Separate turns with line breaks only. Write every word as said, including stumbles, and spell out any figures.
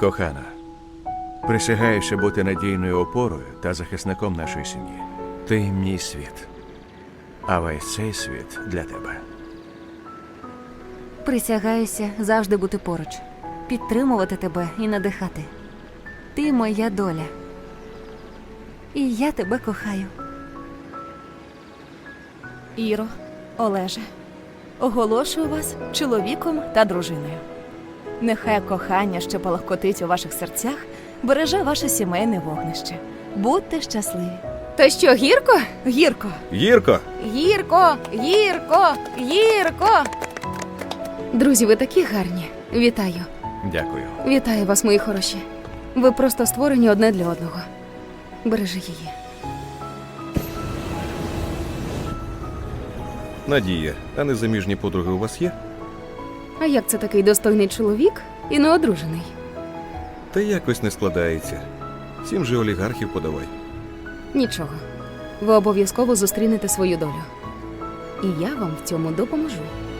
Кохана, присягаюся бути надійною опорою та захисником нашої сім'ї. Ти мій світ, а весь цей світ для тебе.
Присягаюся завжди бути поруч, підтримувати тебе і надихати. Ти моя доля. І я тебе кохаю.
Іро, Олеже, оголошую вас чоловіком та дружиною. Нехай кохання, що палахкотить у ваших серцях, береже ваше сімейне вогнище. Будьте щасливі.
То що, гірко?
Гірко!
Гірко!
Гірко! Гірко! Гірко!
Друзі, ви такі гарні. Вітаю.
Дякую.
Вітаю вас, мої хороші. Ви просто створені одне для одного. Бережи її.
Надія, а незаміжні подруги у вас є?
А як це такий достойний чоловік і неодружений?
Та якось не складається. Всім же олігархів подавай.
Нічого. Ви обов'язково зустрінете свою долю. І я вам в цьому допоможу.